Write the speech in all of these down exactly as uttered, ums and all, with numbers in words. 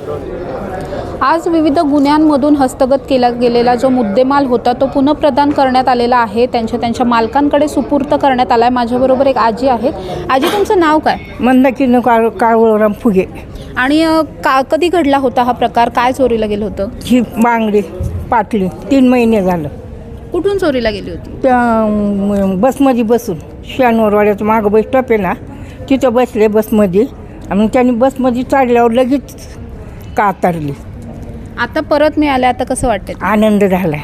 आज विविध गुन्ह्यांमधून हस्तगत केला गेलेला जो मुद्देमाल होता तो पुनःप्रदान करण्यात आलेला आहे. त्यांच्या त्यांच्या मालकांकडे सुपूर्त करण्यात आला आहे. माझ्याबरोबर एक आजी आहेत. आजी, तुमचं नाव काय? मंदाकिनी काळ काळवराम फुगे. आणि अ, का कधी घडला होता हा प्रकार? काय चोरीला गेलं होतं? ही बांगडी पाटली तीन महिने झालं. कुठून चोरीला गेली होती? त्या म, बसमध्ये बसून शहानूरवाड्याचं मागं बस स्टॉप आहे ना, तिथं बसले बसमध्ये. आणि त्यांनी बसमध्ये चढल्यावर लगेच कातरली. आता परत मिळाले, आता कसं वाटतंय? आनंद झाला,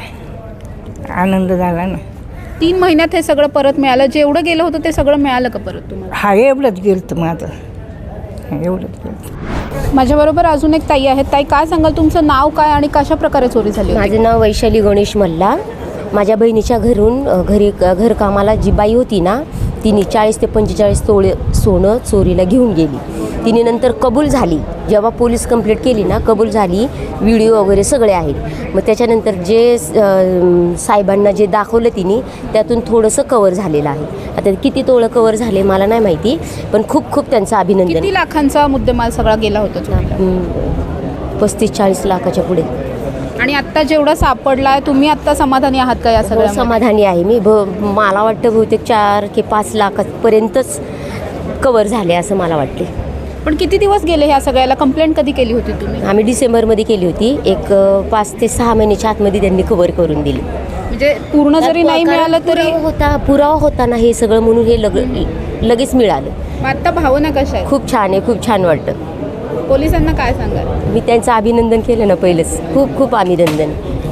आनंद झाला ना. तीन महिन्यात हे सगळं परत मिळालं. जेवढं गेलं होतं ते सगळं मिळालं का परत तुम्हाला? हा, एवढंच गेलं तर माझं, एवढंच गेलं. माझ्याबरोबर अजून एक ताई आहेत. ताई, काय सांगाल, तुमचं नाव काय आणि कशा प्रकारे चोरी झाली होती? माझं नाव वैशाली गणेश मल्ला. माझ्या बहिणीच्या घरून अ, घरी घरकामाला जी बाई होती ना, तिने चाळीस ते पंचेचाळीस तोळे सोनं चोरीला घेऊन गेली. तिने नंतर कबूल झाली. जेव्हा पोलीस कंप्लेंट केली ना, कबूल झाली. व्हिडिओ वगैरे सगळे आहेत. मग त्याच्यानंतर जे अ, साहेबांना जे दाखवलं तिने, त्यातून थोडंसं कवर झालेलं आहे. आता किती तोळं कवर झाले मला नाही माहिती, पण खूप खूप त्यांचं अभिनंदन. किती लाखांचा मुद्देमाल सगळा गेला होता चोरीला? हम्म, पस्तीस चाळीस लाखाच्या पुढे. आणि आत्ता जेवढा सापडलाय, तुम्ही आत्ता समाधानी आहात का या हो, सगळ्या? समाधानी आहे मी. ब मला वाटतं बहुतेक चार की पाच लाखापर्यंतच कवर झाले असं मला वाटते. पण किती दिवस गेले ह्या सगळ्याला? कंप्लेंट कधी केली होती तुम्ही? आम्ही डिसेंबरमध्ये केली होती. एक अ, पाच ते सहा महिन्याच्या आतमध्ये त्यांनी कवर करून दिली. म्हणजे पूर्ण जरी नाही मिळालं तरी पुरावा होता पुरावा होता ना हे सगळं, म्हणून हे लग लगेच मिळालं. मग आत्ता भावना कशा आहे? खूप छान आहे, खूप छान वाटतं. पोलिसांना काय सांगाल? मी त्यांचं अभिनंदन केलं ना पहिलंच. खूप खूप अभिनंदन.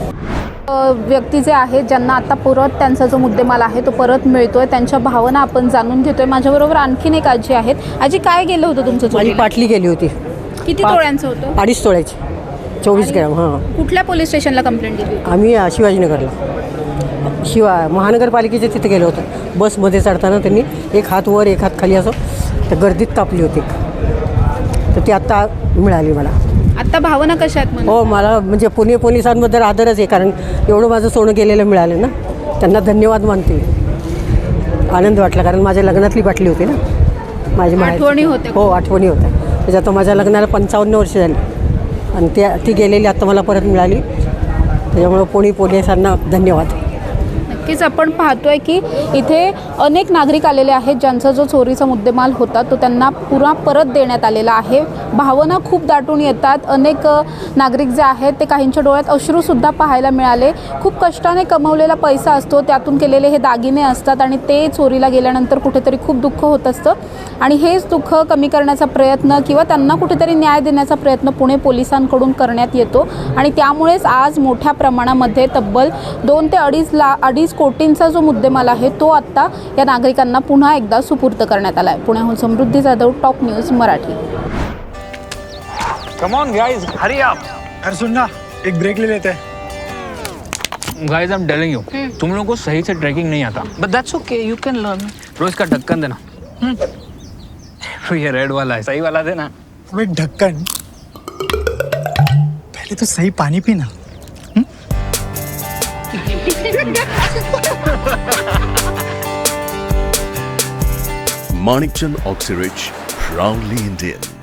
अ, व्यक्ती जे आहेत ज्यांना आता परत त्यांचा जो मुद्देमाल आहे तो परत मिळतोय, त्यांच्या भावना आपण जाणून घेतोय. माझ्याबरोबर आणखीन एक आजी आहेत. आजी, काय गेलं होतं तुमचं माझी चोरीला? पाटली गेली होती. किती पाच- तोळ्यांचं होतं? अडीच तोळ्याची, चोवीस ग्रॅम. हां, कुठल्या पोलीस स्टेशनला कंप्लेंट दिली होती? आम्ही अ, शिवाजीनगरला, शिवा महानगरपालिकेच्या तिथे गेलो होतो. बसमध्ये चढताना त्यांनी एक हात वर एक हात खाली असं त्या गर्दीत तापली होती. तर ती आत्ता मिळाली मला. आता भावना कशा आहेत? हो, मला म्हणजे पुणे पोलिसांबद्दल आदरच आहे, कारण एवढं माझं सोनं गेलेलं मिळालं ना. त्यांना धन्यवाद मानते. आनंद वाटला, कारण माझ्या लग्नातली बाटली होती ना, माझी माहेरची. आठवणी होत्या. हो, आठवणी होत्या. त्याच्यात माझ्या लग्नाला पंचावन्न वर्ष झाली आणि त्या ती गेलेली आत्ता मला परत मिळाली. त्याच्यामुळं पुणे पोलिसांना धन्यवाद. नक्कीच आपण पाहतोय की इथे अनेक नागरिक आलेले आहेत ज्यांचा जो चोरीचा मुद्देमाल होता तो त्यांना पुरा परत देण्यात आलेला आहे. भावना खूप दाटून येतात. अनेक अ, नागरिक जे आहेत ते काहींच्या डोळ्यात अश्रूसुद्धा पाहायला मिळाले. खूप कष्टाने कमवलेला पैसा असतो, त्यातून केलेले हे दागिने असतात आणि ते चोरीला गेल्यानंतर कुठेतरी खूप दुःख होत असतं. आणि हेच दुःख कमी करण्याचा प्रयत्न किंवा त्यांना कुठेतरी न्याय देण्याचा प्रयत्न पुणे पोलिसांकडून करण्यात येतो. आणि त्यामुळेच आज मोठ्या प्रमाणामध्ये तब्बल दोन ते अडीच ला अडीच कोटींचा जो मुद्देमाल आहे तो आत्ता या नागरिकांना पुन्हा एकदा सुपूर्द करण्यात आला आहे. पुण्याहून Samruddhi Jadhav, top news Marathi. Come on guys, hurry up. अरे सुन ना, एक ब्रेक ले लेते हैं. Guys, I'm telling you, तुम लोगों को सही से ट्रैकिंग नहीं आता. But that's okay, you can learn. रोज का ढक्कन देना. तो ये रेड वाला है, सही वाला देना. अबे ढक्कन, पहले तो सही पानी पीना. Manikchand Oxyrich, proudly Indian.